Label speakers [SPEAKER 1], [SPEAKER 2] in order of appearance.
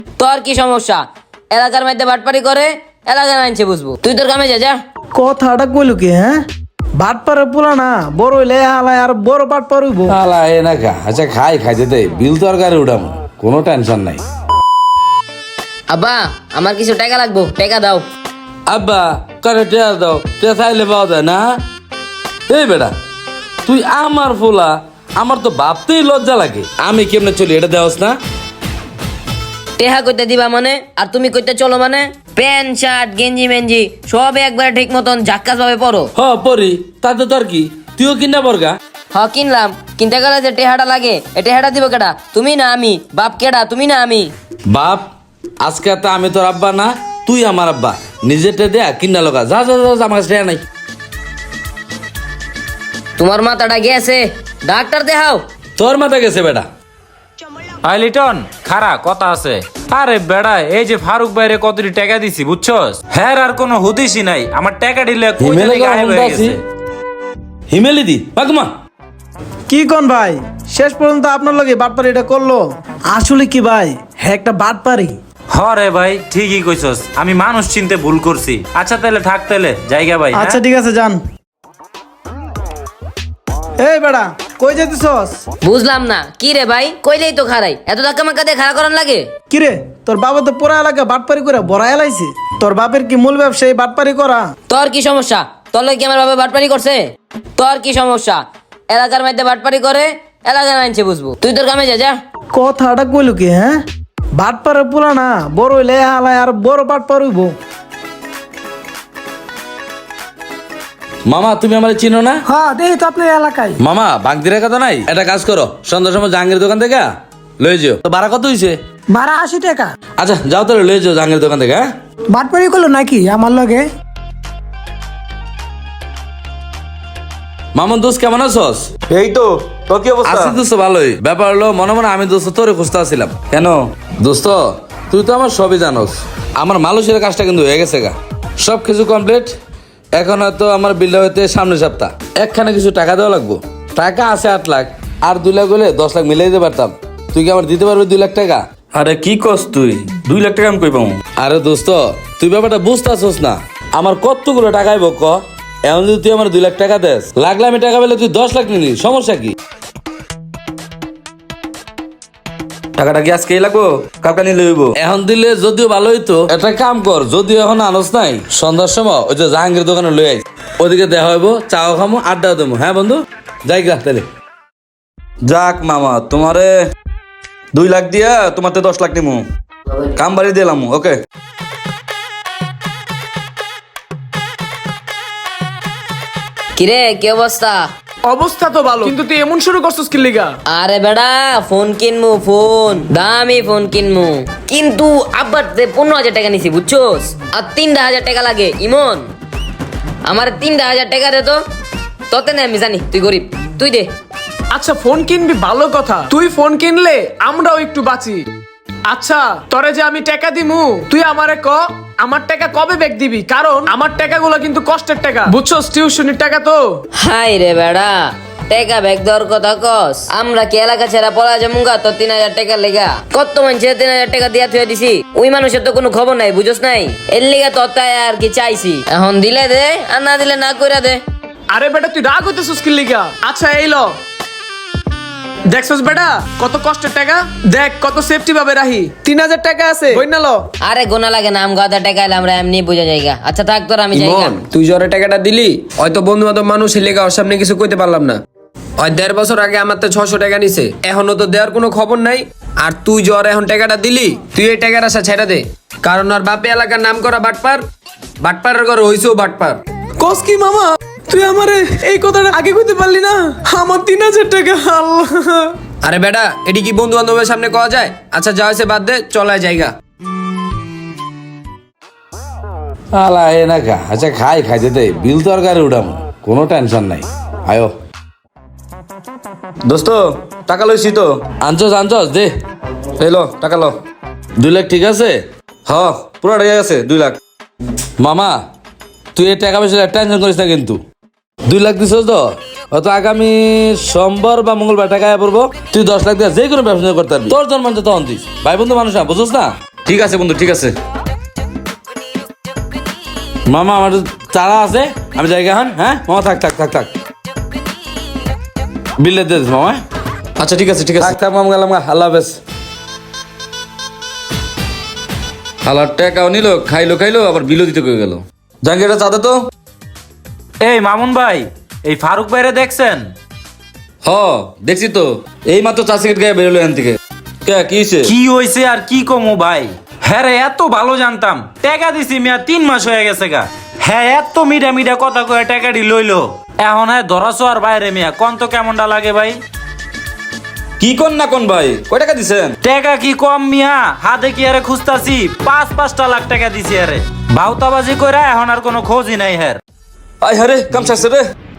[SPEAKER 1] তোর কি সমস্যা? এলাকার মধ্যে বাটপারি করে, এলাকার আনছে বুঝবো। তুই তোর কামে যা যা।
[SPEAKER 2] কথাটা কইলো কি হ্যাঁ? বাট পারে পোলা না, বড় হইলে হালায় আর বড় বাট পারইব।
[SPEAKER 3] আলা এ না খা, আচ্ছা খাইতে দে, বিল তো আর গাড়ি উঠাম, কোনো টেনশন নাই।
[SPEAKER 1] আব্বা, আমার কিছু টাকা লাগবো, টাকা দাও।
[SPEAKER 3] আব্বা কারে টেয়া দাও, টেয়া চাইলে পাওয়া যায় না? এই বেটা, তুই আমার ফোলা, আমার তো ভাবতেই লজ্জা লাগে। আমি কেমনে চলি এটা দেওয়াস না?
[SPEAKER 1] টেহা কইতে দিবা মানে, আর তুমি কইতে চলো মানে? প্যান্ট শার্ট গেঞ্জি মেঞ্জি সব একবারে ঠিক মতন ঝাক্কাস ভাবে পরো।
[SPEAKER 3] হ পরি, তাতে তোর কি, তুইও কিনা বর্গা।
[SPEAKER 1] হ কিনলাম, কিনতে গেলে যে টেহাটা লাগে, এ টেহাটা দিব কেডা? তুমি না আমি? বাপ কেডা, তুমি না আমি?
[SPEAKER 3] বাপ, আজকে তো আমি তোর আব্বা না, তুই আমার আব্বা। নিজেরটা দেয়া কিনা লগা, যা যা যা, আমার কাছে নাই।
[SPEAKER 1] তোমার মাথাটা গেছে, ডাক্তার দেখাও।
[SPEAKER 3] তোর মাথা গেছে বেটা।
[SPEAKER 4] আই লিটন খারা কথা আছে। আরে বেড়া, এই যে ফারুক ভাইরে কতটি টাকা দিছি বুঝছস? হ্যাঁ আর কোনো হুদিসই নাই, আমার টাকা দিলে
[SPEAKER 3] হিমেলে
[SPEAKER 4] গায়েব হয়ে গেছে।
[SPEAKER 3] হিমেলি দি বাগুমা।
[SPEAKER 2] কি কোন ভাই, শেষ পর্যন্ত আপনার লগে বাট পারি এটা করলো? আসলে কি ভাই, হ্যাঁ একটা বাট পারি।
[SPEAKER 4] হরে ভাই ঠিকই কইছস, আমি মানুষ চিনতে ভুল করছি। আচ্ছা তাহলে থাক, তাহলে জায়গা ভাই।
[SPEAKER 2] আচ্ছা ঠিক আছে যান। এই বেড়া কই যেতেছস?
[SPEAKER 1] বুঝলাম না কি রে ভাই, কইলেই তো খারাই, এত ধাক্কা মাক্কা দিয়ে খাড়া করার লাগে?
[SPEAKER 2] কিরে তোর বাবা তো পুরা এলাকা বাটপারি করে বড় এলাইছে। তোর বাপের কি মূল ব্যবসায়ী বাটপারি করা?
[SPEAKER 1] তোর কি সমস্যা? তোর লগে কি আমার বাবা বাটপারি করছে? তোর কি সমস্যা? এলাকার মধ্যে বাটপারি করে, এলাকার আনছে বুঝবো। তুই তোর কামে যা যা।
[SPEAKER 2] কথাটা কইলো কি হ্যাঁ? বাট পারে পোলা না, বড় হইলে হালায় আর বড় বাট পারইব।
[SPEAKER 3] মামা তুমি আমার চিনো না?
[SPEAKER 2] হ্যাঁ দেখি তো আপনার এলাকায়।
[SPEAKER 3] মামা বাগদিরা কথা নাই, একটা কাজ করো, সন্ধ্যার সময় জাহাঙ্গীর দোকান থেকে লয়ে যাও। তো ভাড়া কত হইছে?
[SPEAKER 2] ভাড়া 80 টাকা।
[SPEAKER 3] আচ্ছা যাও তাহলে লয়ে যাও জাহাঙ্গীর দোকান থেকে। হ্যাঁ
[SPEAKER 2] বাটপারি করলো নাকি আমার লগে?
[SPEAKER 3] মামুন দোস্ত কেমন আছস?
[SPEAKER 5] এই তো, তোর কি অবস্থা?
[SPEAKER 3] আছি দোস্ত ভালোই। ব্যাপার হলো মনে মনে আমি দোস্ত তোরে খুঁজতে আসছিলাম।
[SPEAKER 5] কেন?
[SPEAKER 3] দোস্ত তুই তো আমার সবই জানোস, আমার মালুষের কাজটা কিন্তু হয়ে গেছে গা, সব কিছু কমপ্লিট। এখন হয়তো আমার বিলটা হইতে সামনের সপ্তাহ একখানে কিছু টাকা দেওয়া লাগবো। টাকা আছে 8 লাখ, আর 2 লাখ হলে 10 লাখ মিলাই দিতে পারতাম। তুই কি আমার দিতে পারবি 2 লাখ টাকা?
[SPEAKER 5] আরে কি কস তুই? 2 লাখ টাকা আমি কই পাবো?
[SPEAKER 3] আরে দোস্ত তুই ব্যাপারটা বুঝতেছস না, আমার কতগুলো টাকাই বক। এখন যদি তুই আমার 2 লাখ টাকা দেস, লাগলে আমি টাকা পেলে তুই 10 লাখ নিলি, সমস্যা কি?
[SPEAKER 5] টাকাটা কি আজকেই লাগবো? কালকে নিলে হইব?
[SPEAKER 3] এখন দিলে যদিও ভালো হইতো, একটা কাম কর, যদিও এখন আনস নাই, সন্ধ্যার সময় ওই যে জাহাঙ্গীর দোকানে লই আইস, ওদিকে দেখা হইব, চাও খামো, আড্ডা দেবো। হ্যাঁ বন্ধু, যাই গা তাহলে।
[SPEAKER 5] যাক মামা, তোমারে 2 লাখ দিয়া তোমাতে 10 লাখ নিমু, কাম বাড়ি দিলাম। ওকে
[SPEAKER 1] কিরে কি অবস্থা?
[SPEAKER 2] অবস্থা তো ভালো, কিন্তু তুই এমন শুরু করছিস কি লিগা?
[SPEAKER 1] আরে বেড়া ফোন কিনমু, ফোন দামি ফোন কিনমু, কিন্তু আব্বার 15,000 টাকা নিছি বুঝছোস, আর 3,000 টাকা লাগে। ইমন আমার 3,000 টাকা দে তো। তোতে না আমি জানি তুই গরিব, তুই দে।
[SPEAKER 6] আচ্ছা ফোন কিনবি ভালো কথা, তুই ফোন কিনলে আমরাও একটু বাঁচি। আচ্ছা তোরে যে আমি টাকা দিমু, তুই আমারে ক আমার টাকা কবে ব্যাক দিবি? কারণ আমার টাকাগুলো কিন্তু কষ্টের টাকা বুঝছস, টিউশনির টাকা তো।
[SPEAKER 1] হাই রে বেড়া, টাকা ব্যাগ দেওয়ার কথা কস? আমরা কি এলাকা ছেড়া পড়া যামুগা তো 3,000 টাকা লেগা? কত মানুষে 3,000 টাকা দিয়া থুয়ে দিছি, ওই মানুষের তো কোনো খবর নাই বুঝছস নাই, এর লিগা তো তাই আর কি চাইছি। এখন দিলে দে, আর না দিলে না কইরা দে।
[SPEAKER 6] আরে বেটা তুই রাগ হইতেছিস কি লিগা? আচ্ছা এই ল, দেখছস বেটা কত কষ্টের টাকা, দেখ কত সেফটি ভাবে রাখি। 3,000 টাকা আছে, বইনা ল।
[SPEAKER 1] আরে গোনা লাগে না, আম গাদা টাকা এলে আমরা এমনি বুঝা যাইগা। আচ্ছা থাক তোর, আমি যাইগা।
[SPEAKER 7] ইমন তুই জ্বরে টাকাটা দিলি, হয়তো বন্ধু বান্ধব মানুষ লেগা ওর সামনে কিছু কইতে পারলাম না। ওই 1.5 বছর আগে আমার তো 600 টাকা নিছে, এখনো তো দেওয়ার কোনো খবর নাই। আর তুই জ্বর এখন টাকাটা দিলি, তুই এই টাকার আশা ছেড়ে দে, কারণ আর বাপে এলাকার নাম করা বাটপার, বাটপারের ঘরে হইছেও বাটপার।
[SPEAKER 6] কস কি মামা, তুই আমারে এই কথাটা আগে কইতে পারলি না? আমার 3,000 টাকা, আল্লাহ।
[SPEAKER 7] আরে বেটা এটি কি বন্ধু বান্ধবের সামনে কওয়া যায়? আচ্ছা যা হয়েছে বাদ দে, চলায় জায়গা।
[SPEAKER 3] আলা এ না খা, আচ্ছা খাইতে দে, বিল তো আর গাড়ি উঠাম, কোনো টেনশন নাই। আয়ো
[SPEAKER 5] দোস্ত, টাকা লইছি তো।
[SPEAKER 3] আনছস দে।
[SPEAKER 5] এই লো টাকা লো।
[SPEAKER 3] 2 লাখ ঠিক আছে?
[SPEAKER 5] হ পুরো টাকা আছে 2 লাখ।
[SPEAKER 3] মামা তুই এই টাকা পয়সা টেনশন করিস না, কিন্তু 2 লাখ দিছস তো, হয়তো আগামী সোমবার বা মঙ্গলবার টাকা আয়া পড়বো, তুই 10 লাখ দিয়ে যে কোনো ব্যবসা করতে পারবি, তোর জন্ম তখন দিস। ভাই বন্ধু মানুষ না, বুঝছ না?
[SPEAKER 5] ঠিক আছে বন্ধু, ঠিক আছে।
[SPEAKER 3] মামা আমার চারা আছে, আমি জায়গা এখন। হ্যাঁ মামা, থাক থাক থাক থাক, বিলে দে দিস মামা।
[SPEAKER 5] আচ্ছা ঠিক আছে, ঠিক আছে।
[SPEAKER 3] থাক থাক মামা, গেলাম, আল্লাহ হাফেজ।
[SPEAKER 5] হালার টাকাও নিল, খাইলো আবার বিলও দিতে কয়ে গেল। জাহাঙ্গীরটা চা দে তো।
[SPEAKER 4] এই মামুন ভাই, এই ফারুক ভাইরে দেখছেন?
[SPEAKER 5] হ দেখছি তো, এই মাত্র চা সিগারেট গায়ে বেরোলো এখান থেকে। কে কি হয়েছে?
[SPEAKER 4] কি হয়েছে আর কি কমু ভাই? হ্যাঁ রে, এত ভালো জানতাম, টাকা দিছি মিয়া 3 মাস হয়ে গেছে গা। হ্যাঁ এত মিডা কথা কয়ে টাকাটি লইলো, এখন হ্যাঁ ধরাছো আর বাইরে মিয়া, কোন তো কেমনটা লাগে ভাই?
[SPEAKER 5] কি কোন না কোন ভাই, কয় টাকা দিছেন?
[SPEAKER 4] টাকা কি কম মিয়া, হাতে কি আরে খুঁজতাছি, 5-5টা লাখ টাকা দিছি আরে। ভাউতাবাজি কইরা এখন আর কোনো খোঁজই নাই হ্যাঁ।
[SPEAKER 5] আয় হারে, কাম সারছে রে।